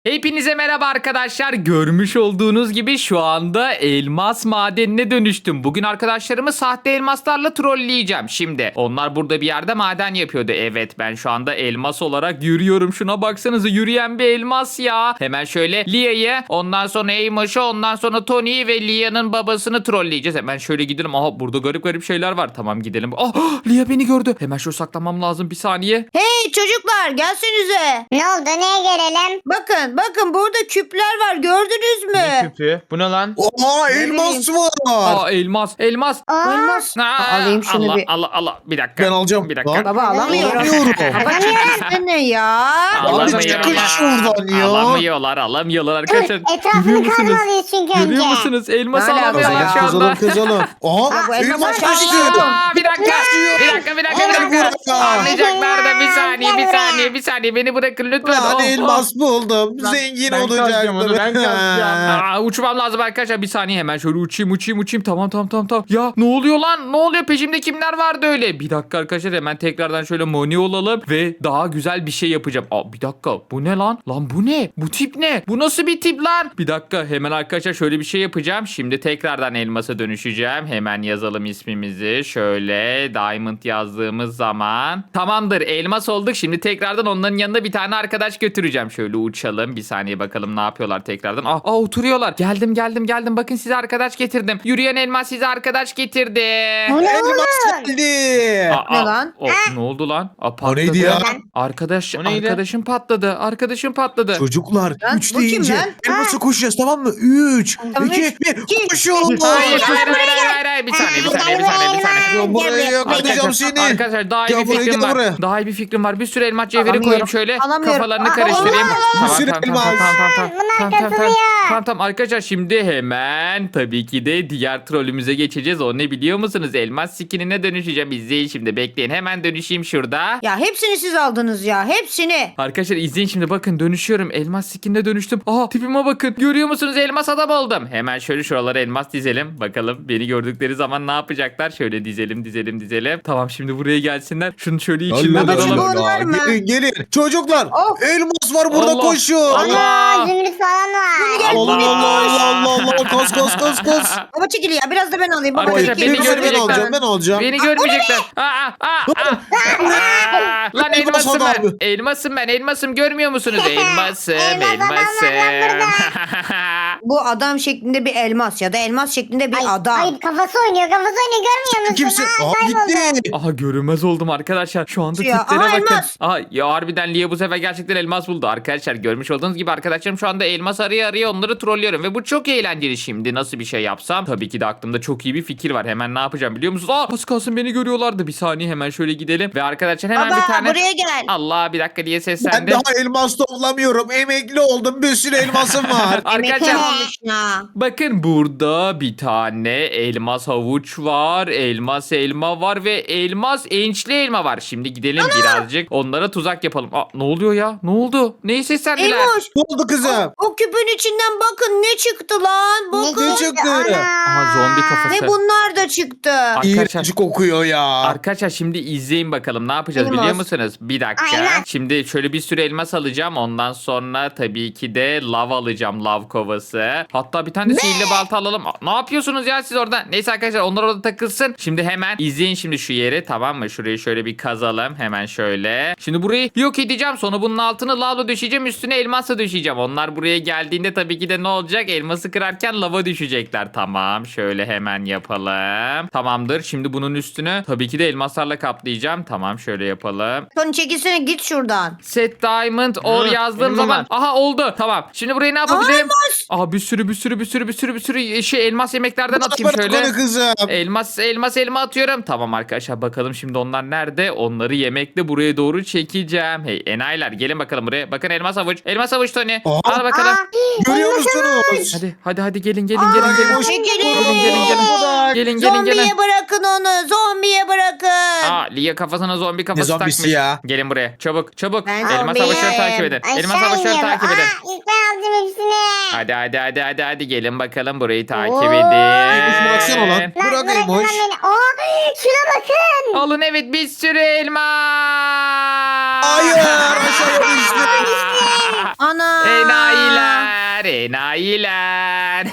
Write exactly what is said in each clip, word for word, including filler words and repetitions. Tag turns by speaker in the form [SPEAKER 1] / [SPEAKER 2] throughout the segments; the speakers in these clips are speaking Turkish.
[SPEAKER 1] Hepinize merhaba arkadaşlar. Görmüş olduğunuz gibi şu anda elmas madenine dönüştüm. Bugün arkadaşlarımı sahte elmaslarla trolleyeceğim. Şimdi onlar burada bir yerde maden yapıyordu. Evet, ben şu anda elmas olarak yürüyorum. Şuna baksanıza, yürüyen bir elmas ya. Hemen şöyle Lia'yı, ondan sonra Eymoş'u, ondan sonra Tony'yi ve Lia'nın babasını trolleyeceğiz. Hemen şöyle gidelim. Aha, burada garip garip şeyler var. Tamam, gidelim. Ah, Lia beni gördü. Hemen şu saklanmam lazım, bir saniye.
[SPEAKER 2] Hey çocuklar, gelsenize.
[SPEAKER 3] Ne oldu, neye gelelim?
[SPEAKER 2] Bakın bakın, burada küpler var, gördünüz mü?
[SPEAKER 4] Ne küpü? Bu ne lan?
[SPEAKER 5] Oha elmas var.
[SPEAKER 1] Aa, elmas, elmas.
[SPEAKER 3] Aa,
[SPEAKER 2] Elmas.
[SPEAKER 1] Aa,
[SPEAKER 2] Alayım şunu
[SPEAKER 1] Allah,
[SPEAKER 2] bir.
[SPEAKER 1] Allah Allah bir dakika.
[SPEAKER 5] Ben alacağım.
[SPEAKER 1] Bir dakika.
[SPEAKER 5] Lan.
[SPEAKER 2] Baba alamıyorum.
[SPEAKER 5] Alamıyorum.
[SPEAKER 2] Kapat ne ya?
[SPEAKER 1] Alamıyorlar.
[SPEAKER 5] çıkın şuradan ya.
[SPEAKER 1] Alamıyorlar, alamıyorlar arkadaşlar. Görüyor
[SPEAKER 3] Etrafını
[SPEAKER 1] musunuz?
[SPEAKER 3] kazmalıyız çünkü önce.
[SPEAKER 1] Görüyor musunuz? Elması
[SPEAKER 2] Ne alaka
[SPEAKER 1] alamıyorlar
[SPEAKER 2] ya?
[SPEAKER 1] şu anda.
[SPEAKER 5] Kazalım kazalım. Aha
[SPEAKER 2] bu elmas
[SPEAKER 5] elmas
[SPEAKER 2] aşağı
[SPEAKER 5] düştü.
[SPEAKER 2] düşüyor.
[SPEAKER 1] Aa, bir dakika, bir dakika, bir dakika, bir
[SPEAKER 5] Al
[SPEAKER 1] dakika.
[SPEAKER 5] buraya.
[SPEAKER 1] Anlayacaklar da bir saniye, bir saniye, bir saniye. Beni bırakın lütfen.
[SPEAKER 5] Lan
[SPEAKER 1] Oh, oh.
[SPEAKER 5] elmas buldum.
[SPEAKER 4] Lan,
[SPEAKER 5] Zengin
[SPEAKER 4] ben kazacağım onu, ben
[SPEAKER 5] olacaktım.
[SPEAKER 4] kazacağım.
[SPEAKER 1] Aa, uçmam lazım arkadaşlar, bir saniye, hemen şöyle uçayım uçayım uçayım. Tamam tamam tamam tamam. Ya ne oluyor lan, ne oluyor, peşimde kimler vardı öyle? Bir dakika arkadaşlar, hemen tekrardan şöyle moni olalım ve daha güzel bir şey yapacağım. Aa, bir dakika, bu ne lan? Lan bu ne? Bu tip ne? Bu nasıl bir tip lan? Bir dakika, hemen arkadaşlar şöyle bir şey yapacağım. Şimdi tekrardan elmasa dönüşeceğim. Hemen yazalım ismimizi. Şöyle Diamond yazdığımız zaman. Tamamdır, elmas olduk. Şimdi tekrardan onların yanına bir tane arkadaş götüreceğim. Şöyle uçalım. Bir saniye bakalım ne yapıyorlar tekrardan. Aa, aa oturuyorlar. Geldim geldim geldim. Bakın, size arkadaş getirdim. Yürüyen elmas size arkadaş getirdi.
[SPEAKER 3] Bu ne
[SPEAKER 5] Elmas
[SPEAKER 3] oğlum?
[SPEAKER 5] geldi.
[SPEAKER 1] Aa,
[SPEAKER 2] Ne
[SPEAKER 1] aa,
[SPEAKER 2] lan?
[SPEAKER 1] o, ne oldu lan? Aa, patladı.
[SPEAKER 5] neydi ya?
[SPEAKER 1] Arkadaş,
[SPEAKER 4] O neydi?
[SPEAKER 1] arkadaşım patladı. Arkadaşım patladı.
[SPEAKER 5] Çocuklar
[SPEAKER 2] Lan,
[SPEAKER 5] üç
[SPEAKER 2] bu kim
[SPEAKER 5] deyince
[SPEAKER 2] lan?
[SPEAKER 5] elmasa koşacağız, tamam mı? üç,
[SPEAKER 2] Tamam,
[SPEAKER 5] iki,
[SPEAKER 2] üç,
[SPEAKER 5] bir
[SPEAKER 2] iki,
[SPEAKER 5] koşun.
[SPEAKER 1] Hayır, hayır, hayır, hayır, hayır, hayır. Bir saniye, bir saniye, bir saniye, bir saniye.
[SPEAKER 5] Ya buraya yakalayacağım seni.
[SPEAKER 1] Arkadaşlar daha iyi
[SPEAKER 5] Gel
[SPEAKER 1] bir
[SPEAKER 5] buraya,
[SPEAKER 1] fikrim
[SPEAKER 5] gel
[SPEAKER 1] var.
[SPEAKER 5] buraya.
[SPEAKER 1] Daha iyi bir fikrim var. Bir sürü elmas cevheri
[SPEAKER 2] Alamıyorum,
[SPEAKER 1] koyayım şöyle.
[SPEAKER 2] alamıyorum.
[SPEAKER 1] Kafalarını
[SPEAKER 2] Aa,
[SPEAKER 1] karıştırayım.
[SPEAKER 2] Allah!
[SPEAKER 1] Tamam,
[SPEAKER 5] Bir sürü
[SPEAKER 1] tamam, tamam,
[SPEAKER 5] elmas.
[SPEAKER 1] tamam, tamam, tamam.
[SPEAKER 3] Bunlar
[SPEAKER 1] Tamam, tamam, tamam.
[SPEAKER 3] kasılıyor.
[SPEAKER 1] Tamam, tamam. Arkadaşlar şimdi hemen tabii ki de diğer trollümüze geçeceğiz. O ne biliyor musunuz? Elmas skinine dönüşeceğim. İzleyin şimdi. Bekleyin. Hemen dönüşeyim şurada.
[SPEAKER 2] Ya hepsini siz aldınız ya, hepsini.
[SPEAKER 1] Arkadaşlar izleyin şimdi, bakın dönüşüyorum. Elmas skinine dönüştüm. Aha, tipime bakın. Görüyor musunuz? Elmas adam oldum. Hemen şöyle şuralara elmas dizelim. Bakalım beni gördükleri zaman ne yapacaklar? Şöyle dizelim dizelim dizelim. Tamam, şimdi buraya gelsinler. Şunu şöyle içinden
[SPEAKER 2] Babacığım,
[SPEAKER 1] alalım.
[SPEAKER 2] bu- var mı?
[SPEAKER 5] Gelin gelin. Çocuklar
[SPEAKER 2] Of.
[SPEAKER 5] elmas var burada,
[SPEAKER 1] Allah.
[SPEAKER 5] koşun.
[SPEAKER 1] Allah.
[SPEAKER 3] Aa, zümrüt falan var.
[SPEAKER 5] Allah Allah Allah Allah Allah, kas kas kas kas.
[SPEAKER 2] Baba çekil ya, biraz da ben alayım. Baba
[SPEAKER 1] Arkadaşlar,
[SPEAKER 2] çekil.
[SPEAKER 1] beni
[SPEAKER 5] Ben
[SPEAKER 1] görmeyecekler.
[SPEAKER 5] alacağım, ben alacağım.
[SPEAKER 1] Beni görmeyecekler. Aa, aa, aa, aa. Lan
[SPEAKER 5] Elmas
[SPEAKER 1] elmasım
[SPEAKER 5] adam.
[SPEAKER 1] ben. Elmasım ben. Elmasım, görmüyor musunuz? Elmasım,
[SPEAKER 3] Elmas adam var lan
[SPEAKER 1] elmasım.
[SPEAKER 2] Bu adam şeklinde bir elmas ya da elmas şeklinde bir
[SPEAKER 3] Ay,
[SPEAKER 2] adam.
[SPEAKER 3] Hayır, kafası oynuyor, kafası oynuyor, görmüyor musun?
[SPEAKER 5] Kimsin?
[SPEAKER 3] Aa,
[SPEAKER 5] Aa
[SPEAKER 3] kayboldu.
[SPEAKER 5] gitti.
[SPEAKER 1] Aha, görünmez oldum arkadaşlar. Şu anda
[SPEAKER 2] Ya,
[SPEAKER 1] tiplere
[SPEAKER 2] aha,
[SPEAKER 1] bakın.
[SPEAKER 2] elmas.
[SPEAKER 1] Aha, ya harbiden Lia bu sefer gerçekten elmas buldu. Arkadaşlar, görmüş olduğunuz gibi arkadaşlarım şu anda elmas araya araya onları trollüyorum. Ve bu çok eğlenceli şimdi. Nasıl bir şey yapsam? Tabii ki de aklımda çok iyi bir fikir var. Hemen ne yapacağım biliyor musunuz? Aa, az kalsın beni görüyorlardı. Bir saniye, hemen şöyle gidelim. Ve arkadaşlar hemen
[SPEAKER 2] Baba
[SPEAKER 1] bir tane...
[SPEAKER 2] buraya gel.
[SPEAKER 1] Allah, bir dakika diye
[SPEAKER 5] Ben
[SPEAKER 1] seslendi.
[SPEAKER 5] daha elmas toplamıyorum. Emekli oldum. Bir sürü elmasım var.
[SPEAKER 2] Emekli
[SPEAKER 1] Arkadaşlar,
[SPEAKER 2] olmuş ya.
[SPEAKER 1] bakın burada bir tane elmas havuç var, elmas elma var ve elmas ençli elma var. Şimdi gidelim birazcık onlara tuzak yapalım. Aa, ne oluyor ya? Ne oldu? Neyi seslendiler?
[SPEAKER 2] Eymoş,
[SPEAKER 5] Ne oldu kızım?
[SPEAKER 2] o küpün içinden bakın ne çıktı lan.
[SPEAKER 3] Ne
[SPEAKER 2] Bakın.
[SPEAKER 5] çıktı?
[SPEAKER 3] Ana.
[SPEAKER 1] Aha, zombi kafası.
[SPEAKER 2] Ve bunlar da çıktı.
[SPEAKER 1] Arkadaşlar-
[SPEAKER 5] İğrenç kokuyor ya.
[SPEAKER 1] Arkadaşlar şimdi izleyin bakalım ne yapacağız
[SPEAKER 2] Elmas.
[SPEAKER 1] biliyor musunuz? Bir dakika.
[SPEAKER 3] Aynen.
[SPEAKER 1] Şimdi şöyle bir sürü elmas alacağım. Ondan sonra tabii ki de lav alacağım, lav kovası. Hatta bir tane de sihirli balta alalım. Aa, ne yapıyorsunuz ya siz orada? Neyse arkadaşlar, onlar orada takılsın. Şimdi hemen izleyin şimdi şu yeri, tamam mı? Şurayı şöyle bir kazalım. Hemen şöyle. Şimdi burayı yok edeceğim. Sonra bunun altını lavla düşeceğim. Üstüne elmasla düşeceğim. Onlar buraya geldiğinde tabii ki de ne olacak? Elması kırarken lava düşecekler. Tamam. Şöyle hemen yapalım. Tamamdır. Şimdi bunun üstünü tabii ki de elmaslarla kaplayacağım. Tamam, şöyle yapalım.
[SPEAKER 2] Tony çekilsene, git şuradan.
[SPEAKER 1] Set diamond or
[SPEAKER 4] Hı,
[SPEAKER 1] yazdığım
[SPEAKER 4] benim
[SPEAKER 1] zaman.
[SPEAKER 4] babam.
[SPEAKER 1] Aha, oldu. Tamam. Şimdi burayı ne
[SPEAKER 2] Aa,
[SPEAKER 1] yapabilirim?
[SPEAKER 2] elmas.
[SPEAKER 1] Aha, bir sürü bir sürü bir sürü bir sürü bir sürü şey elmas yemeklerden atayım
[SPEAKER 5] Bırak
[SPEAKER 1] şöyle.
[SPEAKER 5] onu kızım.
[SPEAKER 1] Elmas elmas elma atıyorum. Tamam arkadaşlar, bakalım şimdi onlar nerede? Onları yemekle buraya doğru çekeceğim. Hey enayiler, gelin bakalım buraya. Bakın, elmas havuç. Elmas havuç Tony.
[SPEAKER 5] Aa.
[SPEAKER 1] Al bakalım.
[SPEAKER 3] Aa,
[SPEAKER 5] Görüyor musunuz?
[SPEAKER 1] Hadi hadi hadi gelin gelin gelin gelin.
[SPEAKER 5] Hoş-
[SPEAKER 2] Çekilin.
[SPEAKER 1] Gelin gelin gelin. Gelin gelin
[SPEAKER 2] Zombiye
[SPEAKER 1] gelin.
[SPEAKER 2] bırakın onu. Zombiye bırakın.
[SPEAKER 1] Aa, Lia kafasına zombi kafası
[SPEAKER 5] zombisi
[SPEAKER 1] takmış.
[SPEAKER 5] ya?
[SPEAKER 1] Gelin buraya. Çabuk çabuk.
[SPEAKER 2] Ben
[SPEAKER 1] Elmas
[SPEAKER 2] zombiyim.
[SPEAKER 1] savaşları takip edin.
[SPEAKER 3] Aşağı
[SPEAKER 1] Elmas savaşları
[SPEAKER 3] iniyorum.
[SPEAKER 1] takip edin.
[SPEAKER 3] Aa, ilk ben aldım hepsini.
[SPEAKER 1] Hadi hadi hadi hadi hadi gelin bakalım burayı takip
[SPEAKER 3] Oo.
[SPEAKER 1] edin.
[SPEAKER 5] Eymoş baksana lan.
[SPEAKER 3] Lan
[SPEAKER 5] Bırak
[SPEAKER 3] bırakın lan
[SPEAKER 5] Eymoş.
[SPEAKER 3] beni. Aa, şuna bakın.
[SPEAKER 1] Alın evet bir sürü elma.
[SPEAKER 5] Hayır aşağıya düştü.
[SPEAKER 2] Ana.
[SPEAKER 1] Enayiler, enayiler.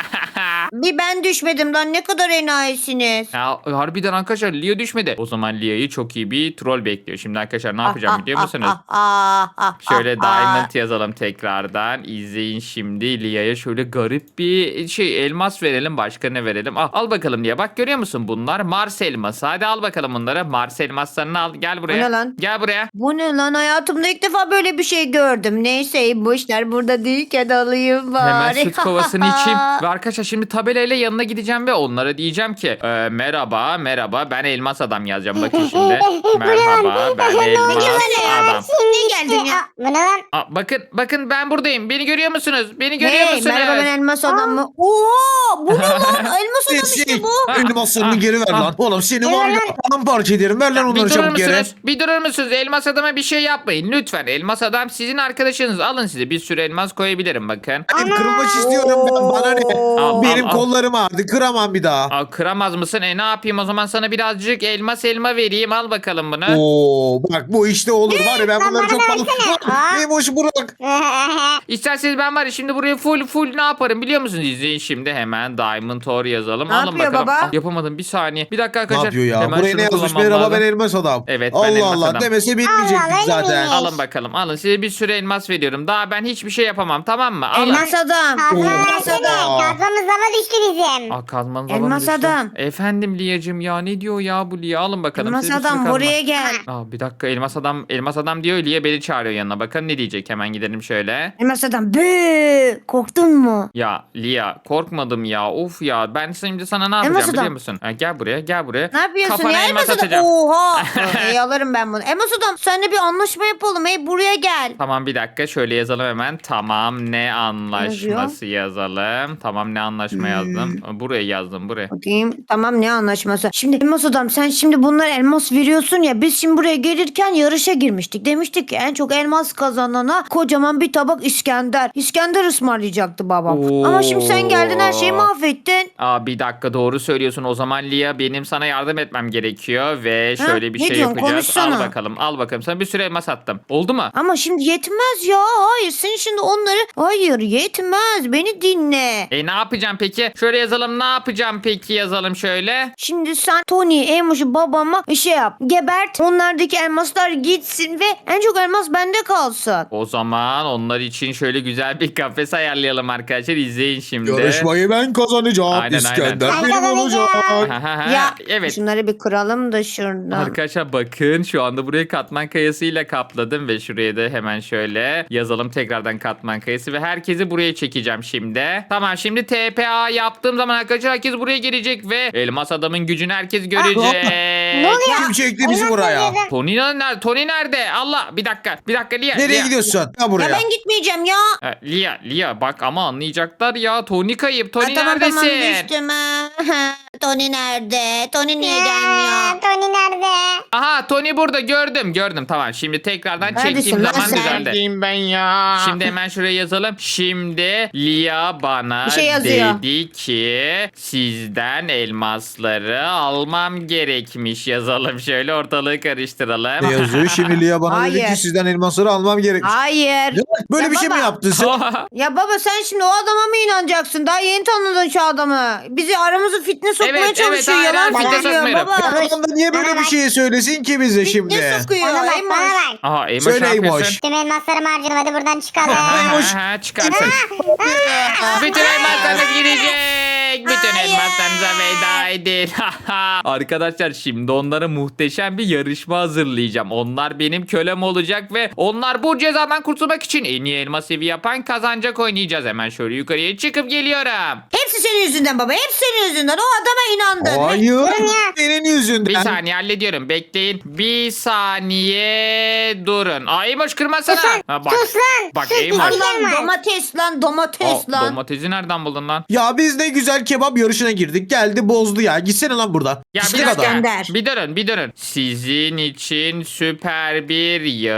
[SPEAKER 2] Bir ben düşmedim lan, ne kadar enayisiniz.
[SPEAKER 1] Ya, harbiden arkadaşlar Lia düşmedi. O zaman Lia'yı çok iyi bir troll bekliyor. Şimdi arkadaşlar ne yapacağım biliyor musunuz?
[SPEAKER 2] Ah, ah, ah,
[SPEAKER 1] Şöyle
[SPEAKER 2] ah,
[SPEAKER 1] diamond yazalım tekrardan. İzleyin şimdi Lia'ya şöyle garip bir şey elmas verelim. Başka ne verelim? Al, al bakalım Lia. Bak görüyor musun bunlar? Mars elması. Hadi al bakalım bunları. Mars elmaslarını al. Gel buraya.
[SPEAKER 2] Bu ne lan?
[SPEAKER 1] Gel buraya.
[SPEAKER 2] Bu ne lan, hayatımda ilk defa böyle bir şey gördüm. Neyse bu işler burada değilken alayım bari.
[SPEAKER 1] Hemen süt kovasını içeyim. Ve arkadaşlar şimdi tabelayla yanına gideceğim ve onlara diyeceğim ki e, merhaba merhaba ben elmas adam yazacağım. Bakın şimdi. Merhaba ben elmas adam.
[SPEAKER 2] Niye geldin ya?
[SPEAKER 3] Aa, bu ne lan?
[SPEAKER 1] Aa, bakın bakın ben buradayım. Beni görüyor musunuz? Beni görüyor
[SPEAKER 2] Hey,
[SPEAKER 1] musunuz?
[SPEAKER 2] merhaba ben elmas adam mı? Oo, bu ne lan? Elmas adam
[SPEAKER 5] Şey,
[SPEAKER 2] işte bu.
[SPEAKER 5] elmaslarını geri ver lan. Oğlum seni var ya paramparça ederim. Ver lan
[SPEAKER 1] Bir
[SPEAKER 5] onları
[SPEAKER 1] durur
[SPEAKER 5] çabuk geri.
[SPEAKER 1] musunuz? Bir durur musunuz? Elmas adama bir şey yapmayın. Lütfen. Elmas adam sizin arkadaşınız. Alın size bir sürü elmas koyabilirim bakın.
[SPEAKER 5] Hadi kırılmak istiyorum ben. Bana ne?
[SPEAKER 1] Al,
[SPEAKER 5] Benim
[SPEAKER 1] al, al.
[SPEAKER 5] kollarım ağrıdı. Kıramam bir daha.
[SPEAKER 1] Aa, kıramaz mısın? E ne yapayım o zaman sana birazcık elmas elma vereyim. Al bakalım bunu.
[SPEAKER 5] Oo bak bu işte olur var ya ben
[SPEAKER 3] Lan
[SPEAKER 5] bunları
[SPEAKER 3] bana
[SPEAKER 5] çok fazla...
[SPEAKER 3] versene. Aa.
[SPEAKER 5] Eymoş bırak.
[SPEAKER 1] İsterseniz ben var ya şimdi buraya full full ne yaparım biliyor musunuz? İzleyin şimdi hemen Diamond Ore yazalım.
[SPEAKER 2] Ne
[SPEAKER 1] Alın
[SPEAKER 2] yapıyor
[SPEAKER 1] bakalım.
[SPEAKER 2] baba?
[SPEAKER 1] Ah, yapamadım bir saniye. Bir dakika
[SPEAKER 5] Ne
[SPEAKER 1] arkadaşlar.
[SPEAKER 5] yapıyor ya?
[SPEAKER 1] Hemen
[SPEAKER 5] Buraya
[SPEAKER 1] şunu
[SPEAKER 5] ne yazmış?
[SPEAKER 1] kullanmam
[SPEAKER 5] Merhaba
[SPEAKER 1] lazım.
[SPEAKER 5] ben elmas adam.
[SPEAKER 1] Evet, ben
[SPEAKER 5] Allah
[SPEAKER 1] elmas
[SPEAKER 5] Allah
[SPEAKER 1] adam.
[SPEAKER 5] demese bilmeyecektik
[SPEAKER 3] Allah, öyle
[SPEAKER 5] zaten.
[SPEAKER 3] miymiş?
[SPEAKER 1] Alın bakalım alın size bir sürü elmas veriyorum. Daha ben hiçbir şey yapamam tamam mı? Alın.
[SPEAKER 2] Elmas adam.
[SPEAKER 3] Kazma
[SPEAKER 2] Elmas
[SPEAKER 3] versene.
[SPEAKER 2] adam.
[SPEAKER 3] Kazmamız lava düştü bizim.
[SPEAKER 1] Aa, kazmanız
[SPEAKER 2] Elmas
[SPEAKER 1] alanı düştü.
[SPEAKER 2] adam.
[SPEAKER 1] Efendim Liyacım ya ne diyor ya bu Liya alın bakalım.
[SPEAKER 2] Elmas
[SPEAKER 1] size bir sürü
[SPEAKER 2] adam
[SPEAKER 1] kazma.
[SPEAKER 2] buraya gel.
[SPEAKER 1] Aa, bir dakika elmas adam elmas adam diyor Liya beni çağırıyor yanına. Bakın ne diyecek hemen gidelim şöyle.
[SPEAKER 2] Elmas adam. Bı, korktun mu?
[SPEAKER 1] Ya Liya korkmadım ya of ya ben şimdi sana ne
[SPEAKER 2] Elmas
[SPEAKER 1] yapacağım
[SPEAKER 2] adam.
[SPEAKER 1] biliyor musun? Ha, gel buraya gel buraya.
[SPEAKER 2] Ne yapıyorsun
[SPEAKER 1] Kafana
[SPEAKER 2] ya
[SPEAKER 1] elmas
[SPEAKER 2] elmas adam?
[SPEAKER 1] atacağım.
[SPEAKER 2] Oha. Ey alırım ben bunu. Elmas adam seninle bir anlaşma yapalım. Hey buraya gel.
[SPEAKER 1] Tamam bir dakika şöyle yazalım hemen. Tamam ne anlaşması yazalım. Tamam ne anlaşma yazdım. Buraya yazdım buraya.
[SPEAKER 2] Bakayım. Tamam ne anlaşması? Şimdi elmas adam sen şimdi bunlara elmas veriyorsun ya. Biz şimdi buraya gelirken yarışa girmiştik. Demiştik ki en çok elmas kazanana kocaman bir tabak İskender. İskender ısmarlayacaktı babam.
[SPEAKER 1] Oo.
[SPEAKER 2] Ama şimdi sen geldin her şeyi mahvettin.
[SPEAKER 1] Aa bir dakika doğru söylüyorsun. O zaman Lia benim sana yardım etmem gerekiyor ve
[SPEAKER 2] Ha,
[SPEAKER 1] şöyle bir
[SPEAKER 2] ne
[SPEAKER 1] şey
[SPEAKER 2] diyorsun?
[SPEAKER 1] yapacağız.
[SPEAKER 2] Konuşsana.
[SPEAKER 1] Al bakalım. Al bakalım. Sana bir sürü elmas attım. Oldu mu?
[SPEAKER 2] Ama şimdi yetmez ya. Hayır sen şimdi onları... Hayır yetmez. Beni dinle.
[SPEAKER 1] E ne yapacağım peki? Şöyle yazalım. Ne yapacağım peki yazalım şöyle.
[SPEAKER 2] Şimdi sen Tony, Amos'u babama şey yap. Gebert. Onlardaki elmaslar gitsin ve en çok elmas bende kalsın.
[SPEAKER 1] O zaman onlar için şöyle güzel bir kafes ayarlayalım arkadaşlar. İzleyin şimdi.
[SPEAKER 5] Yarışmayı ben kazanacağım.
[SPEAKER 1] Aynen,
[SPEAKER 5] İskender
[SPEAKER 3] aynen.
[SPEAKER 5] benim
[SPEAKER 3] Ben
[SPEAKER 5] olacak.
[SPEAKER 1] Ha, ha, ha.
[SPEAKER 2] Ya
[SPEAKER 1] evet.
[SPEAKER 2] şunları bir kıralım da şuradan.
[SPEAKER 1] Arkadaşlar bakın şu anda burayı katman kayasıyla kapladım ve şuraya da hemen şöyle yazalım tekrardan katman kayası ve herkesi buraya çekeceğim şimdi. Tamam şimdi T P A yaptığım zaman arkadaşlar herkes buraya gelecek ve elmas adamın gücünü herkes görecek.
[SPEAKER 3] Ne oluyor?
[SPEAKER 5] Kim çekti bizi
[SPEAKER 3] Elmas
[SPEAKER 5] buraya?
[SPEAKER 3] veriyordun.
[SPEAKER 1] Tony nerede? Tony nerede? Allah bir dakika. Bir dakika Lia.
[SPEAKER 5] Nereye
[SPEAKER 1] Lia.
[SPEAKER 5] gidiyorsun? Ya
[SPEAKER 2] Ya
[SPEAKER 5] buraya.
[SPEAKER 2] ben gitmeyeceğim ya.
[SPEAKER 1] Ha, Lia, Lia bak ama anlayacaklar ya. Tony kayıp. Tony
[SPEAKER 2] Ha, tamam
[SPEAKER 1] neredesin?
[SPEAKER 2] tamam düştüm ha. Tony nerede? Tony niye
[SPEAKER 3] Aa,
[SPEAKER 2] gelmiyor?
[SPEAKER 3] Tony nerede?
[SPEAKER 1] Aha Tony burada gördüm gördüm. Tamam şimdi tekrardan
[SPEAKER 2] Neredesin
[SPEAKER 1] çektiğim
[SPEAKER 2] lan
[SPEAKER 1] zaman
[SPEAKER 2] sen?
[SPEAKER 1] düzeldi.
[SPEAKER 4] Neredeyim ben ya?
[SPEAKER 1] Şimdi hemen şuraya yazalım. Şimdi Lia bana
[SPEAKER 2] Bir şey yazıyor.
[SPEAKER 1] dedi ki sizden elmasları almam gerekmiş. Yazalım şöyle ortalığı karıştıralım.
[SPEAKER 5] Ne yazıyor? Şimdi Lia bana dedi
[SPEAKER 2] Hayır.
[SPEAKER 5] ki sizden elmasları almam gerek.
[SPEAKER 2] Hayır.
[SPEAKER 5] Ya, böyle
[SPEAKER 2] Ya
[SPEAKER 5] bir şey mi
[SPEAKER 2] baba.
[SPEAKER 5] yaptın sen?
[SPEAKER 2] Ya baba sen şimdi o adama mı inanacaksın? Daha yeni tanıdın şu adamı. Bizi aramızı fitne sokmaya
[SPEAKER 1] Evet, evet,
[SPEAKER 2] çalışıyor.
[SPEAKER 1] hayır,
[SPEAKER 2] Yalan
[SPEAKER 1] hayır, fitne
[SPEAKER 2] söylüyor
[SPEAKER 1] sokmuyorum.
[SPEAKER 2] baba.
[SPEAKER 5] Adam da niye böyle
[SPEAKER 3] Bana
[SPEAKER 5] bir
[SPEAKER 3] bak.
[SPEAKER 5] şey söylesin ki bize şimdi?
[SPEAKER 2] Fitne sokuyor.
[SPEAKER 3] Bana bak
[SPEAKER 2] Eymoş.
[SPEAKER 3] bana bak.
[SPEAKER 1] Aha Eymoş
[SPEAKER 5] Söyle
[SPEAKER 1] ne yapıyorsun?
[SPEAKER 5] Eymoş.
[SPEAKER 3] Tüm elmaslarımı harcadım hadi buradan çıkalım.
[SPEAKER 5] Eymoş.
[SPEAKER 1] Ha, ha, çıkarsın. Bütün elmaslarınız gidecek. Bütün
[SPEAKER 2] Hayır.
[SPEAKER 1] elmaslarınıza veda edin. Arkadaşlar şimdi onlara muhteşem bir yarışma hazırlayacağım. Onlar benim kölem olacak ve onlar bu cezadan kurtulmak için en iyi elma sevi yapan kazanacak oynayacağız. Hemen şöyle yukarıya çıkıp geliyorum.
[SPEAKER 2] Hepsi senin yüzünden baba. Hepsi senin yüzünden. O adama inandın.
[SPEAKER 5] Hayır.
[SPEAKER 3] Durun ya.
[SPEAKER 5] Senin yüzünden.
[SPEAKER 1] Bir saniye hallediyorum. Bekleyin. Bir saniye durun. Aa Eymoş kırmasana.
[SPEAKER 3] Sus lan,
[SPEAKER 1] Ha, bak.
[SPEAKER 3] sus lan,
[SPEAKER 1] Bak
[SPEAKER 3] sus,
[SPEAKER 1] Eymoş.
[SPEAKER 3] sus.
[SPEAKER 2] Lan domates lan domates
[SPEAKER 1] Aa,
[SPEAKER 2] lan.
[SPEAKER 1] domatesi nereden buldun lan?
[SPEAKER 5] Ya biz ne güzel geçen kebap yarışına girdik. Geldi bozdu ya. Gitsene lan buradan.
[SPEAKER 1] Ya bir
[SPEAKER 5] Pislik
[SPEAKER 1] dakika.
[SPEAKER 5] adam.
[SPEAKER 2] Gönder.
[SPEAKER 1] Bir durun bir durun. Sizin için süper bir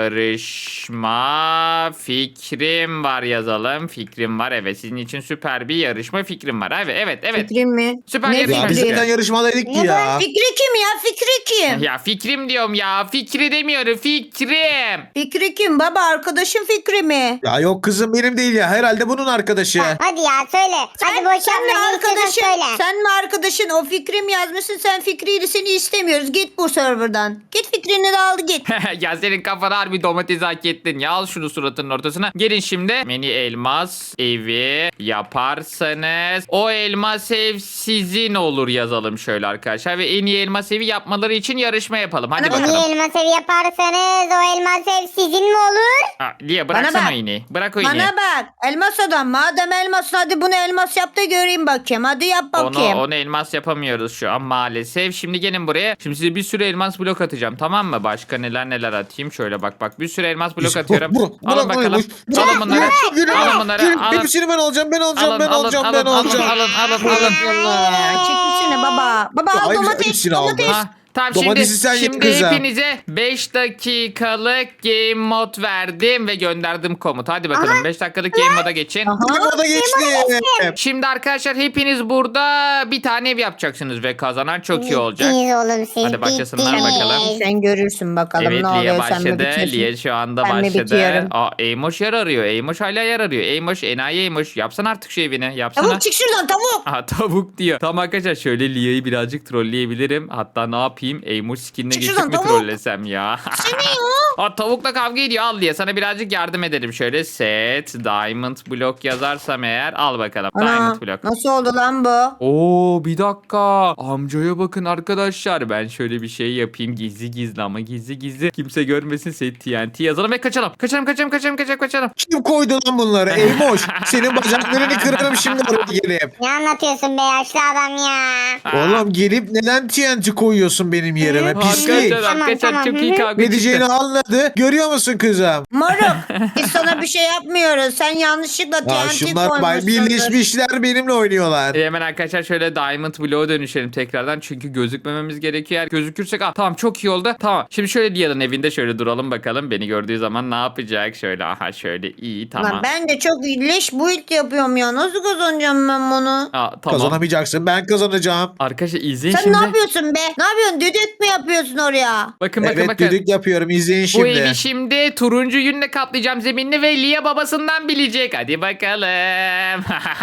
[SPEAKER 1] yarışma fikrim var yazalım. Fikrim var evet. Sizin için süper bir yarışma fikrim var. Evet evet evet.
[SPEAKER 2] Fikrim mi?
[SPEAKER 1] Süper
[SPEAKER 2] Ne
[SPEAKER 1] yarışma
[SPEAKER 5] Ya biz
[SPEAKER 1] fikri.
[SPEAKER 5] zaten yarışmadaydık ki
[SPEAKER 3] Ne
[SPEAKER 5] ya.
[SPEAKER 2] Fikri kim ya? Fikri kim?
[SPEAKER 1] Ya fikrim diyorum ya. Fikri demiyorum. Fikrim.
[SPEAKER 2] Fikri kim baba? Arkadaşın Fikri mi?
[SPEAKER 5] Ya yok kızım benim değil ya. Herhalde bunun arkadaşı.
[SPEAKER 3] Hadi ya söyle. Hadi boş
[SPEAKER 2] sen mi
[SPEAKER 3] yapma. Ne istiyorsan
[SPEAKER 2] arkadaşın?
[SPEAKER 3] söyle.
[SPEAKER 2] Sen mi arkadaşın? O Fikrim yazmışsın. Sen Fikri'yle seni istemiyoruz. Git bu serverdan. Git Fikrini de al git.
[SPEAKER 1] Ya senin kafana harbi domates hak ettin. Ya al şunu suratının ortasına. Gelin şimdi. Mini elmas evi yaparsanız o elmas ev sizin olur yazalım şöyle arkadaşlar. Ve en iyi elmas evi yapmaları için yarışma yapalım. Hadi
[SPEAKER 2] Bana
[SPEAKER 3] En
[SPEAKER 1] bakalım.
[SPEAKER 3] iyi elmas evi yaparsanız o elmas ev sizin mi olur?
[SPEAKER 1] Aa, Lia bıraksana
[SPEAKER 2] bak.
[SPEAKER 1] o iğneyi. Bırak o iğneyi.
[SPEAKER 2] Bana bak. Elmas adam. Madem elmasın hadi bunu elmas yap da göreyim bakayım. Hadi yap bakayım.
[SPEAKER 1] Onu, onu elmas yapamıyoruz şu an maalesef. Şimdi gelin buraya. Şimdi size bir sürü elmas blok atacağım tamam mı? Başka neler neler atayım. Şöyle bak bak bir sürü elmas blok
[SPEAKER 5] İşte
[SPEAKER 1] atıyorum.
[SPEAKER 5] bu- bu-
[SPEAKER 1] Alın
[SPEAKER 5] bırak
[SPEAKER 1] bakalım.
[SPEAKER 5] burayı, boş-
[SPEAKER 1] Alın bunları.
[SPEAKER 5] Yürü,
[SPEAKER 1] Alın bunları.
[SPEAKER 5] yürü.
[SPEAKER 1] Alın.
[SPEAKER 5] Hepsini ben alacağım ben alacağım
[SPEAKER 1] Alın,
[SPEAKER 5] ben
[SPEAKER 1] alın,
[SPEAKER 5] alacağım
[SPEAKER 1] alın,
[SPEAKER 5] ben
[SPEAKER 1] alın,
[SPEAKER 5] alacağım.
[SPEAKER 1] alın, alın, alın.
[SPEAKER 2] Allah. Çekilsene baba. Baba
[SPEAKER 5] Ya,
[SPEAKER 2] al
[SPEAKER 5] hayır,
[SPEAKER 2] domates.
[SPEAKER 5] hepsini aldım.
[SPEAKER 2] Domates.
[SPEAKER 1] Ha, tamam
[SPEAKER 5] Domatesi
[SPEAKER 1] şimdi,
[SPEAKER 5] sen ye
[SPEAKER 1] şimdi
[SPEAKER 5] kızım.
[SPEAKER 1] hepinize beş dakikalık game mod verdim ve gönderdim komut. Hadi bakalım beş dakikalık game moda geçin.
[SPEAKER 2] Aha.
[SPEAKER 5] O da geçti.
[SPEAKER 1] Şimdi arkadaşlar hepiniz burada bir tane ev yapacaksınız ve kazanan çok iyi olacak.
[SPEAKER 3] Bittiniz oğlum siz.
[SPEAKER 1] Hadi başlasınlar
[SPEAKER 3] bittiniz.
[SPEAKER 1] bakalım.
[SPEAKER 2] Sen görürsün bakalım
[SPEAKER 1] Evet
[SPEAKER 2] ne
[SPEAKER 1] Lia
[SPEAKER 2] oluyor sen mi
[SPEAKER 1] başladı.
[SPEAKER 2] bitiyorsun?
[SPEAKER 1] Lia şu anda
[SPEAKER 2] Ben mi
[SPEAKER 1] başladı.
[SPEAKER 2] bitiyorum?
[SPEAKER 1] Aa Eymoş yer arıyor. Eymoş hala yer arıyor. Eymoş enayi Eymoş. Yapsana artık şu evini. Yapsana.
[SPEAKER 2] Tavuk çık şuradan tavuk.
[SPEAKER 1] Aha tavuk diyor. Tamam arkadaşlar şöyle Lia'yı birazcık trolleyebilirim. Hatta ne yapayım? Eymoş skinine
[SPEAKER 2] Çık
[SPEAKER 1] geçip
[SPEAKER 2] şuradan,
[SPEAKER 1] mi
[SPEAKER 2] tavuk.
[SPEAKER 1] trollesem ya?
[SPEAKER 2] Seni ya.
[SPEAKER 1] Aa, tavukla kavga ediyor. Al Lia sana birazcık yardım ederim. Şöyle set diamond block yazarsam eğer al bakalım.
[SPEAKER 2] Ana
[SPEAKER 1] Diamond block.
[SPEAKER 2] nasıl oldu lan bu?
[SPEAKER 1] Oo bir dakika. Amcaya bakın arkadaşlar. Ben şöyle bir şey yapayım. Gizli gizli ama gizli gizli. Kimse görmesin. Set T N T yazalım ve kaçalım. Kaçalım kaçalım kaçalım kaçalım kaçalım.
[SPEAKER 5] Kim koydu lan bunları? Eymoş. Senin bacaklarını kırarım şimdi oraya gelip.
[SPEAKER 3] Ne anlatıyorsun be yaşlı adam ya?
[SPEAKER 5] Oğlum gelip neden T N T koyuyorsun benim yerime? Pislik.
[SPEAKER 1] Arkadaşlar
[SPEAKER 3] Tamam,
[SPEAKER 1] arkadaşlar
[SPEAKER 3] tamam,
[SPEAKER 1] çok
[SPEAKER 3] hı
[SPEAKER 1] iyi
[SPEAKER 3] hı.
[SPEAKER 1] kavga
[SPEAKER 5] Ne
[SPEAKER 1] çıktı.
[SPEAKER 5] diyeceğini anladı. Görüyor musun kızım?
[SPEAKER 2] Moruk biz sana bir şey yapmıyoruz. Sen yanlışlıkla
[SPEAKER 5] Ya
[SPEAKER 2] T N T
[SPEAKER 5] şunlar bay
[SPEAKER 2] koymuşsundur.
[SPEAKER 5] birleşmişler benimle oynuyorlar.
[SPEAKER 1] E, Hemen arkadaşlar şöyle Diamond Block'a dönüşelim tekrardan. Çünkü gözükmememiz gerekiyor. Eğer gözükürsek ah, tamam çok iyi oldu. Tamam. Şimdi şöyle Lia'nın evinde şöyle duralım bakalım. Beni gördüğü zaman ne yapacak? Şöyle aha şöyle iyi tamam.
[SPEAKER 2] Lan ben de çok leş build yapıyorum ya. Nasıl kazanacağım ben bunu?
[SPEAKER 1] Aa, tamam.
[SPEAKER 5] Kazanamayacaksın ben kazanacağım.
[SPEAKER 1] Arkadaşlar izleyin
[SPEAKER 2] Sen
[SPEAKER 1] şimdi.
[SPEAKER 2] ne yapıyorsun be? Ne yapıyorsun? Düdük mü yapıyorsun oraya?
[SPEAKER 1] Bakın bakın
[SPEAKER 5] Evet
[SPEAKER 1] bakın.
[SPEAKER 5] düdük yapıyorum izleyin
[SPEAKER 1] Bu
[SPEAKER 5] şimdi.
[SPEAKER 1] evi şimdi turuncu yünle kaplayacağım zeminini ve Lia babasından bilecek. Hadi bakalım.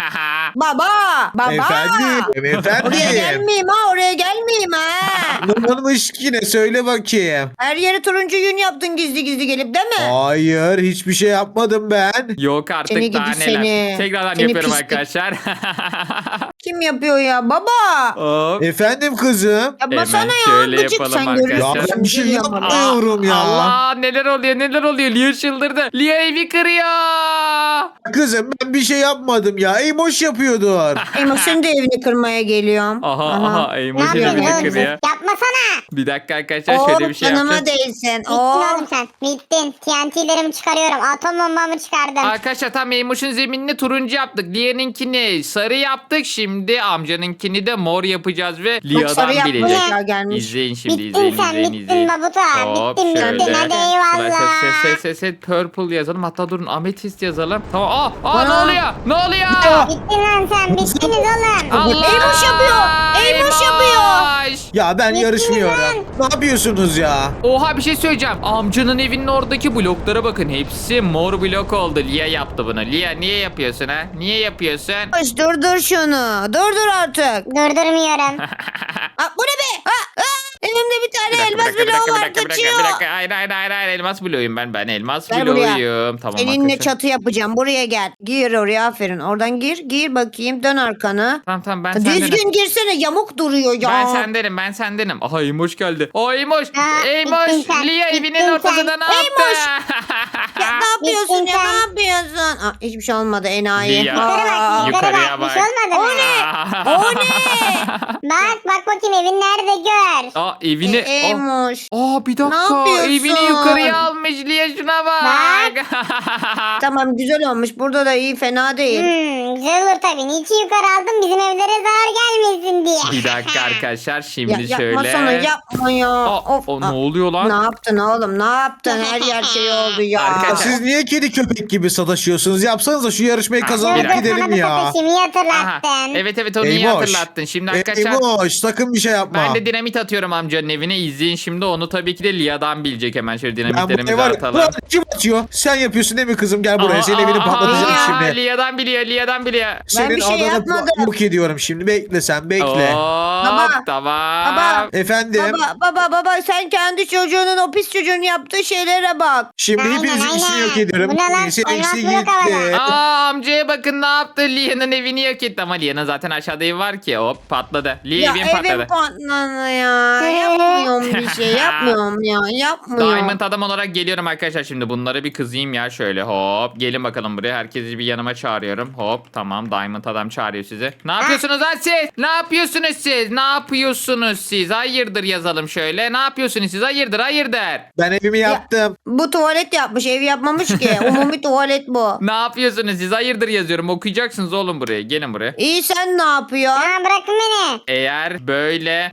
[SPEAKER 2] Baba! Baba!
[SPEAKER 5] Efendim
[SPEAKER 2] Oraya
[SPEAKER 5] efendim.
[SPEAKER 2] gelmeyeyim ha. Oraya gelmeyeyim ha.
[SPEAKER 5] Ne olmuş yine söyle bakayım.
[SPEAKER 2] Her yere turuncu yün yaptın gizli gizli gelip değil mi?
[SPEAKER 5] Hayır hiçbir şey yapmadım ben.
[SPEAKER 1] Yok artık
[SPEAKER 2] Seni
[SPEAKER 1] daha
[SPEAKER 2] gidi
[SPEAKER 1] neler.
[SPEAKER 2] seni.
[SPEAKER 1] Tekrardan
[SPEAKER 2] Seni
[SPEAKER 1] yapıyorum
[SPEAKER 2] pislik.
[SPEAKER 1] arkadaşlar.
[SPEAKER 2] Kim yapıyor ya? Baba!
[SPEAKER 1] Hop.
[SPEAKER 5] Efendim kızım.
[SPEAKER 2] Yapmasana
[SPEAKER 1] Hemen
[SPEAKER 2] ya.
[SPEAKER 1] şöyle
[SPEAKER 2] Gıcık
[SPEAKER 1] yapalım
[SPEAKER 2] sen
[SPEAKER 1] arkadaşlar.
[SPEAKER 5] Ya
[SPEAKER 2] görüyorsun.
[SPEAKER 5] ben bir şey
[SPEAKER 2] Biliyorum ama.
[SPEAKER 5] yapmıyorum ya.
[SPEAKER 1] Allah neler oluyor neler oluyor. Lia çıldırdı. Lia evi kırıyor.
[SPEAKER 5] Kızım ben bir şey yapmadım ya. Eymoş yapıyordur.
[SPEAKER 2] Emo senin de evini kırmaya geliyorum.
[SPEAKER 1] Aha aha
[SPEAKER 3] Ne
[SPEAKER 1] Eymoş'un
[SPEAKER 3] yapıyorsun
[SPEAKER 1] evini
[SPEAKER 3] oğlum siz?
[SPEAKER 1] kırıyor.
[SPEAKER 3] Yapmasana.
[SPEAKER 1] Bir dakika arkadaşlar
[SPEAKER 2] Oh
[SPEAKER 1] şöyle bir şey
[SPEAKER 2] canıma
[SPEAKER 1] yapacağız.
[SPEAKER 2] değsin.
[SPEAKER 3] Bittin
[SPEAKER 2] Oh.
[SPEAKER 3] oğlum sen. Bittin. T N T'lerimi çıkarıyorum. Atom bombamı çıkardım.
[SPEAKER 1] Arkadaşlar tam Eymoş'un zeminini turuncu yaptık. Lia'nınkini sarı yaptık. Şimdi amcanınkini de mor yapacağız ve
[SPEAKER 2] Bak
[SPEAKER 1] Lia'dan
[SPEAKER 2] sarı
[SPEAKER 1] bilecek.
[SPEAKER 2] yapmışlar gelmiş.
[SPEAKER 1] İzleyin şimdi
[SPEAKER 3] Bittin
[SPEAKER 1] izleyin
[SPEAKER 3] sen,
[SPEAKER 1] izleyin
[SPEAKER 3] bittin
[SPEAKER 1] izleyin.
[SPEAKER 3] babuta.
[SPEAKER 1] Hop
[SPEAKER 3] Bittin, bittin.
[SPEAKER 1] şöyle.
[SPEAKER 3] Hadi eyvallah.
[SPEAKER 1] Set set set set purple yazalım. Hatta durun ametist yazalım. Tamam. Aa, aa ne
[SPEAKER 2] Ana.
[SPEAKER 1] oluyor? Ne oluyor?
[SPEAKER 3] Bittin lan sen. Bittiniz oğlum.
[SPEAKER 1] Allah!
[SPEAKER 2] Eymoş yapıyor. Eymoş yapıyor.
[SPEAKER 1] Eymoş!
[SPEAKER 5] Ya ben
[SPEAKER 3] Bittiniz
[SPEAKER 5] yarışmıyorum. Ne yapıyorsunuz ya?
[SPEAKER 1] Oha bir şey söyleyeceğim. Amcanın evinin oradaki bloklara bakın. Hepsi mor blok oldu. Lia yaptı bunu. Lia niye yapıyorsun ha? Niye yapıyorsun?
[SPEAKER 2] Hoş durdur şunu. Durdur artık.
[SPEAKER 3] Durdurmuyorum.
[SPEAKER 2] Ha, bu ne be? Ha, ha. Elimde bir
[SPEAKER 1] Bir
[SPEAKER 2] tane
[SPEAKER 1] dakika, bir
[SPEAKER 2] elmas
[SPEAKER 1] dakika, bir
[SPEAKER 2] bloğu
[SPEAKER 1] dakika, bir
[SPEAKER 2] var
[SPEAKER 1] dakika, bir dakika,
[SPEAKER 2] kaçıyor.
[SPEAKER 1] bir dakika. Hayır, hayır, hayır, hayır. Elmas bloğuyum ben. Ben elmas
[SPEAKER 2] Gel buraya.
[SPEAKER 1] bloğuyum. Tamam
[SPEAKER 2] Seninle
[SPEAKER 1] arkadaşlar.
[SPEAKER 2] çatı yapacağım. Buraya gel. Gir oraya aferin. Oradan gir. Gir bakayım. Dön arkanı.
[SPEAKER 1] Tamam tamam ben sendenim.
[SPEAKER 2] Düzgün girsene. Yamuk duruyor ya.
[SPEAKER 1] Ben sendenim ben sendenim. Aha Eymoş geldi. O Eymoş.
[SPEAKER 3] Ha,
[SPEAKER 1] Eymoş.
[SPEAKER 3] bittin sen,
[SPEAKER 1] Lia
[SPEAKER 3] bittin
[SPEAKER 1] evinin
[SPEAKER 3] sen.
[SPEAKER 1] ortasında ne yaptı?
[SPEAKER 2] Eymoş. Ya, ne yapıyorsun
[SPEAKER 3] Bittin
[SPEAKER 2] ya?
[SPEAKER 3] sen.
[SPEAKER 2] Ne yapıyorsun? Aa, hiçbir şey olmadı enayi.
[SPEAKER 1] Lia.
[SPEAKER 3] Yukarı
[SPEAKER 2] Aa,
[SPEAKER 3] bak. Yukarı
[SPEAKER 1] Yukarıya
[SPEAKER 3] bak. Bir
[SPEAKER 1] bak.
[SPEAKER 3] şey olmadı mı?
[SPEAKER 2] O ne?
[SPEAKER 3] Bak bak bakayım evin nerede gör.
[SPEAKER 1] Aa evini.
[SPEAKER 2] E,
[SPEAKER 1] Aa,
[SPEAKER 2] Eymoş.
[SPEAKER 1] Aa bir dakika.
[SPEAKER 2] yapıyorsun?
[SPEAKER 1] Evini yukarıya almış Lia şuna bak.
[SPEAKER 2] Tamam güzel olmuş. Burada da iyi fena değil.
[SPEAKER 3] Hmm, güzel olur tabii. Niçin yukarı aldım? Bizim evlere zarar gelmesin diye.
[SPEAKER 1] Bir dakika arkadaşlar
[SPEAKER 2] Ya,
[SPEAKER 1] şimdi
[SPEAKER 2] yapma
[SPEAKER 1] şöyle.
[SPEAKER 2] sana yapma ya.
[SPEAKER 1] Aa,
[SPEAKER 2] Of.
[SPEAKER 1] o ne
[SPEAKER 2] Aa,
[SPEAKER 1] oluyor lan?
[SPEAKER 2] Ne yaptın oğlum ne yaptın? Her yer şey oldu ya.
[SPEAKER 1] Arkadaşlar-
[SPEAKER 5] Siz niye kedi köpek gibi sataşıyorsunuz? Yapsanıza şu yarışmayı
[SPEAKER 1] Ha,
[SPEAKER 5] kazanıp
[SPEAKER 1] bir dakika.
[SPEAKER 3] Dur dur, sana
[SPEAKER 5] gidelim
[SPEAKER 3] bir
[SPEAKER 5] ya.
[SPEAKER 3] satışımı
[SPEAKER 1] Aha,
[SPEAKER 3] hatırlattın.
[SPEAKER 1] evet evet onu iyi
[SPEAKER 5] Eymoş.
[SPEAKER 1] hatırlattın. Şimdi arkadaşlar
[SPEAKER 5] Eymoş sakın bir şey yapma.
[SPEAKER 1] ben de dinamit atıyorum amcanın evine. İzleyin şimdi onu tabii ki de Lia'dan bilecek hemen şöyle
[SPEAKER 5] Ben
[SPEAKER 1] dinamitlerimizi
[SPEAKER 5] buraya var ya.
[SPEAKER 1] atalım.
[SPEAKER 5] Ulan kim atıyor? Sen yapıyorsun değil mi kızım? Gel buraya.
[SPEAKER 1] Aa,
[SPEAKER 5] Senin evini
[SPEAKER 1] aa,
[SPEAKER 5] patlatacağım
[SPEAKER 1] aa,
[SPEAKER 5] şimdi.
[SPEAKER 1] Lia'dan biliyor Lia'dan biliyor.
[SPEAKER 5] Senin
[SPEAKER 2] bir şey
[SPEAKER 5] adanı
[SPEAKER 2] yapmadım.
[SPEAKER 5] yok ediyorum şimdi. Bekle sen bekle.
[SPEAKER 1] Hop,
[SPEAKER 2] Baba,
[SPEAKER 1] tamam.
[SPEAKER 2] baba.
[SPEAKER 5] Efendim.
[SPEAKER 2] Baba baba baba sen kendi çocuğunun o pis çocuğun yaptığı şeylere bak.
[SPEAKER 5] Şimdi
[SPEAKER 3] Aynen,
[SPEAKER 5] hepinizin
[SPEAKER 3] aynen.
[SPEAKER 5] işini yok ediyorum.
[SPEAKER 3] Bu ne lan?
[SPEAKER 5] Senin
[SPEAKER 3] Elmas
[SPEAKER 5] eksi
[SPEAKER 3] blok
[SPEAKER 5] gitti.
[SPEAKER 3] havada.
[SPEAKER 1] Aa amcaya bakın ne yaptı. Lia'nın evini yok etti ama Lia'nın zaten aşağıda evi var ki. Hop patladı. Lia
[SPEAKER 2] Ya
[SPEAKER 1] evin patladı.
[SPEAKER 2] evim patladı ya. Yapmıyorum bir şey yapmıyorum ya yapmıyorum.
[SPEAKER 1] Diamond adam olarak geliyorum arkadaşlar şimdi bunları bir kızayım ya şöyle hop gelin bakalım buraya herkesi bir yanıma çağırıyorum hop tamam Diamond adam çağırıyor sizi. Ne yapıyorsunuz lan siz? Ne yapıyorsunuz siz? Ne yapıyorsunuz siz? Hayırdır yazalım şöyle. Ne yapıyorsunuz siz? Hayırdır hayırdır.
[SPEAKER 5] Ben evimi yaptım.
[SPEAKER 2] Bu tuvalet yapmış ev yapmamış ki. Umumi tuvalet bu.
[SPEAKER 1] Ne yapıyorsunuz siz? Hayırdır yazıyorum. Okuyacaksınız oğlum buraya. Gelin buraya.
[SPEAKER 2] İyi sen ne yapıyorsun?
[SPEAKER 3] Ha, bırakın beni.
[SPEAKER 1] Eğer böyle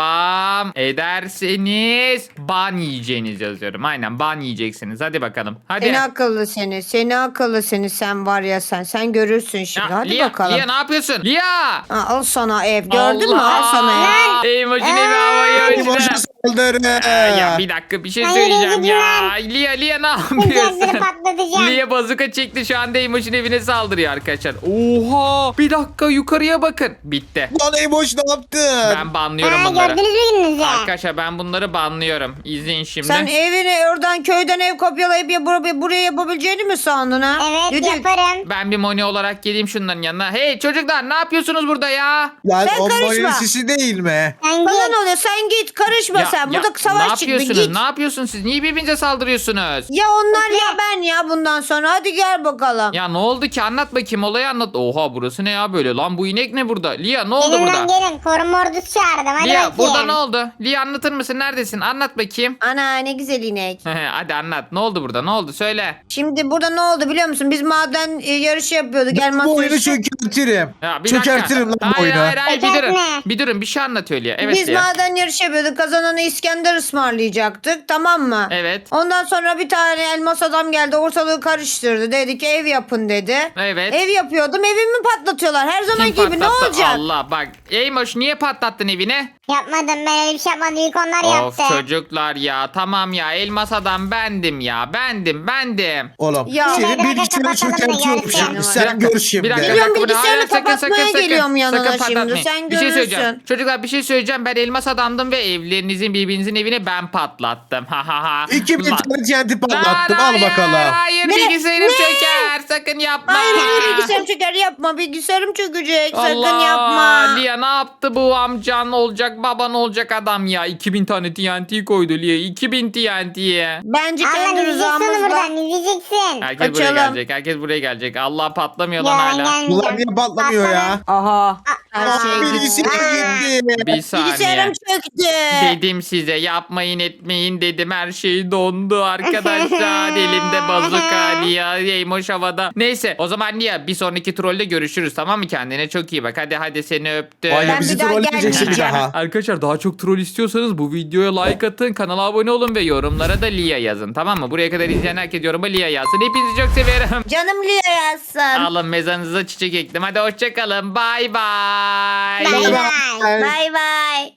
[SPEAKER 1] devam ederseniz ban yiyeceğiniz yazıyorum. Aynen ban yiyeceksiniz. Hadi bakalım. Hadi.
[SPEAKER 2] Seni akıllı seni. Seni akıllı seni sen var ya sen. Sen görürsün şimdi.
[SPEAKER 1] Ya,
[SPEAKER 2] Hadi
[SPEAKER 1] Lia,
[SPEAKER 2] bakalım.
[SPEAKER 1] Lia ne yapıyorsun? Lia!
[SPEAKER 2] Ha, al sana ev. Gördün mü? Al sana ev.
[SPEAKER 1] Eymoş'un evi havaya
[SPEAKER 5] Eymoş'a
[SPEAKER 1] uçtu.
[SPEAKER 5] saldırı.
[SPEAKER 1] Ya bir dakika bir şey
[SPEAKER 3] Hayır,
[SPEAKER 1] söyleyeceğim ya.
[SPEAKER 3] gidin
[SPEAKER 1] Lia Lia ne
[SPEAKER 3] Sıcakları
[SPEAKER 1] yapıyorsun?
[SPEAKER 3] patlatacağım.
[SPEAKER 1] Lia bazuka çekti şu anda Eymoş'un evine saldırıyor arkadaşlar. Oha bir dakika yukarıya bakın. Bitti.
[SPEAKER 5] Lan Eymoş ne yaptın?
[SPEAKER 1] Ben banlıyorum
[SPEAKER 3] Ha,
[SPEAKER 1] bunları.
[SPEAKER 3] gördünüz mü gününüzü?
[SPEAKER 1] Arkadaşlar ben bunları banlıyorum. İzleyin şimdi.
[SPEAKER 2] Sen evini oradan köyden ev kopyalayıp ya buraya, buraya yapabileceğini mi sandın ha?
[SPEAKER 3] Evet
[SPEAKER 2] Düdük.
[SPEAKER 3] yaparım.
[SPEAKER 1] Ben bir Moni olarak geleyim şunların yanına. Hey çocuklar ne yapıyorsunuz burada ya?
[SPEAKER 5] Lan
[SPEAKER 2] Sen
[SPEAKER 5] o
[SPEAKER 2] karışma.
[SPEAKER 5] Moni'nin sisi değil mi?
[SPEAKER 3] Sen
[SPEAKER 2] Bana
[SPEAKER 3] git.
[SPEAKER 2] ne oluyor? Sen git karışma sen. Burada
[SPEAKER 1] ne
[SPEAKER 2] savaş çıktı
[SPEAKER 1] yapıyorsunuz?
[SPEAKER 2] git.
[SPEAKER 1] Ne yapıyorsunuz siz? Niye birbirinize saldırıyorsunuz?
[SPEAKER 2] Ya onlar ya ben ya bundan sonra. Hadi gel bakalım.
[SPEAKER 1] Ya ne oldu ki? Anlat bakayım olayı anlat. Oha burası ne ya böyle? Lan bu inek ne burada? Lia ne oldu
[SPEAKER 3] Gelin
[SPEAKER 1] burada?
[SPEAKER 3] lan gelin. Koruma ordusu çağırdım. Hadi
[SPEAKER 1] Lia
[SPEAKER 3] bakayım.
[SPEAKER 1] burada ne oldu? Lia anlatır mısın? Neredesin? Anlat bakayım.
[SPEAKER 2] Ana ne güzel inek.
[SPEAKER 1] Hadi anlat. Ne oldu burada? Ne oldu? Söyle.
[SPEAKER 2] Şimdi burada ne oldu biliyor musun? Biz maden e, yarışı yapıyorduk. Elmas
[SPEAKER 5] Bu oyunu
[SPEAKER 2] yarışı.
[SPEAKER 5] çökertirim.
[SPEAKER 1] Ya bir
[SPEAKER 5] Çökertirim
[SPEAKER 1] dakika.
[SPEAKER 5] lan bu
[SPEAKER 1] Hayır
[SPEAKER 5] oyunu.
[SPEAKER 1] hayır hayır bir durun.
[SPEAKER 3] Çökertme.
[SPEAKER 1] Bir durun bir şey anlatıyor Lia. Evet
[SPEAKER 2] Biz
[SPEAKER 1] Lia.
[SPEAKER 2] maden yarışı yapıyorduk. Kazananı İskender ısmarlayacaktık. Tamam mı?
[SPEAKER 1] Evet.
[SPEAKER 2] Ondan sonra bir tane elmas adam geldi. Ortalığı karıştırdı. Dedi ki ev yapın dedi.
[SPEAKER 1] Evet.
[SPEAKER 2] Ev yapıyordum. Evimi patlatıyorlar. Her
[SPEAKER 1] Kim
[SPEAKER 2] zaman gibi ne
[SPEAKER 1] patlattı?
[SPEAKER 2] olacak?
[SPEAKER 1] Allah bak. Eymoş niye patlattın evini?
[SPEAKER 3] Yapmadım ben öyle bir şey yapmadım. İlk onlar
[SPEAKER 1] Of
[SPEAKER 3] yaptı.
[SPEAKER 1] çocuklar ya. Tamam ya. Elmas adam bendim ya. Bendim bendim.
[SPEAKER 5] Oğlum
[SPEAKER 2] Ya.
[SPEAKER 5] senin
[SPEAKER 3] Bir dakika,
[SPEAKER 5] bilgisayarı
[SPEAKER 3] kapatalım da
[SPEAKER 5] çökertiyorum
[SPEAKER 3] görsün.
[SPEAKER 5] şimdi.
[SPEAKER 1] Bir
[SPEAKER 5] Sen
[SPEAKER 1] dakika,
[SPEAKER 5] gör şimdi.
[SPEAKER 1] Bir dakika, bir
[SPEAKER 2] Geliyorum,
[SPEAKER 1] dakika. Hayır,
[SPEAKER 2] bilgisayarını
[SPEAKER 1] sakın, sakın,
[SPEAKER 2] kapatmaya
[SPEAKER 1] sakın.
[SPEAKER 2] geliyorum yanına
[SPEAKER 1] Sakın
[SPEAKER 2] şimdi.
[SPEAKER 1] patlatmayın.
[SPEAKER 2] Sen
[SPEAKER 1] bir şey söyleyeceğim.
[SPEAKER 2] görürsün.
[SPEAKER 1] Çocuklar bir şey söyleyeceğim. Ben elmas adamdım ve evlerinizin birbirinizin evini ben patlattım. Ha ha ha.
[SPEAKER 5] İki bin
[SPEAKER 1] Lan-
[SPEAKER 5] tane T N T patlattım.
[SPEAKER 1] Lan,
[SPEAKER 5] Al
[SPEAKER 1] hayır,
[SPEAKER 5] bakalım.
[SPEAKER 1] Hayır
[SPEAKER 2] Ne?
[SPEAKER 1] bilgisayarım
[SPEAKER 2] Ne?
[SPEAKER 1] çöker. Sakın yapma.
[SPEAKER 2] Hayır hayır bilgisayarım çöker yapma. Bilgisayarım çökecek. Sakın
[SPEAKER 1] Allah,
[SPEAKER 2] yapma.
[SPEAKER 1] Lia ne yaptı bu amcan olacak baban olacak adam ya. iki bin tane T N T koydu Lia. iki bin T N T'ye.
[SPEAKER 2] Bence
[SPEAKER 3] Allah
[SPEAKER 2] kendi
[SPEAKER 3] izleyeceksin onu
[SPEAKER 2] rızamızla.
[SPEAKER 3] buradan izleyeceksin.
[SPEAKER 1] Herkes buraya
[SPEAKER 2] Kaçalım.
[SPEAKER 1] gelecek. Herkes buraya gelecek. Allah patlamıyor lan
[SPEAKER 3] Ya,
[SPEAKER 1] hala.
[SPEAKER 3] gelmeyeceğim.
[SPEAKER 5] Bunlar niye patlamıyor ya?
[SPEAKER 2] Aha. Her
[SPEAKER 3] Aa,
[SPEAKER 2] şey gitti.
[SPEAKER 5] Bilgisayarım gitti.
[SPEAKER 1] Bir saniye.
[SPEAKER 2] Bilgisayarım çöktü.
[SPEAKER 1] Dedim size yapmayın etmeyin dedim her şey dondu arkadaşlar elimde bazuka Lia Eymoş havada. Neyse o zaman Lia bir sonraki trolde görüşürüz tamam mı kendine çok iyi bak hadi hadi seni öptüm.
[SPEAKER 5] Vay
[SPEAKER 2] Ben
[SPEAKER 5] be bizi
[SPEAKER 2] bir daha
[SPEAKER 5] trolleyeceksin bir
[SPEAKER 2] gelmeyeceğim.
[SPEAKER 5] daha.
[SPEAKER 1] Arkadaşlar daha çok troll istiyorsanız bu videoya like atın kanala abone olun ve yorumlara da Lia yazın tamam mı? Buraya kadar izleyen herkes yoruma Lia yazsın hepinizi çok severim.
[SPEAKER 2] Canım Lia yazsın.
[SPEAKER 1] Alın mezanınıza çiçek ektim hadi hoşçakalın bay bay.
[SPEAKER 3] Bay
[SPEAKER 5] Bay
[SPEAKER 3] bay.
[SPEAKER 5] bay.
[SPEAKER 2] Bay bay.